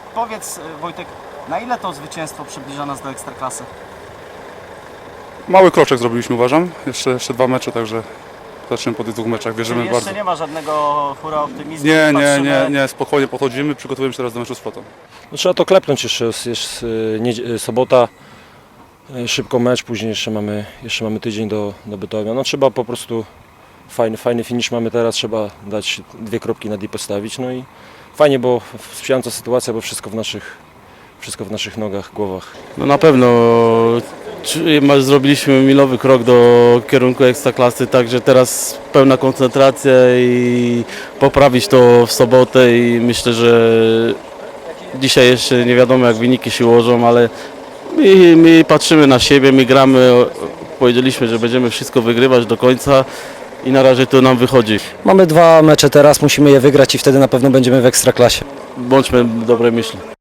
Powiedz, Wojtek, na ile to zwycięstwo przybliża nas do Ekstraklasy? Mały kroczek zrobiliśmy, uważam. Jeszcze 2 mecze, także zaczniemy po tych 2 meczach. Wierzymy Czyli jeszcze bardzo. nie ma żadnego hura optymizmu? Nie, spokojnie podchodzimy, przygotowujemy się teraz do meczu z Flotą. No, trzeba to klepnąć jeszcze, jest sobota, szybko mecz, później jeszcze mamy tydzień do Bytomia. No trzeba po prostu, fajny finish mamy teraz, trzeba dać 2 kropki na D postawić, no i fajnie, bo sprzyjająca sytuacja, bo wszystko w naszych nogach, głowach. No na pewno zrobiliśmy milowy krok do kierunku Ekstraklasy, także teraz pełna koncentracja i poprawić to w sobotę i myślę, że dzisiaj jeszcze nie wiadomo jak wyniki się ułożą, ale my patrzymy na siebie, my gramy, powiedzieliśmy, że będziemy wszystko wygrywać do końca i na razie to nam wychodzi. Mamy 2 mecze teraz, musimy je wygrać i wtedy na pewno będziemy w Ekstraklasie. Bądźmy dobrej myśli.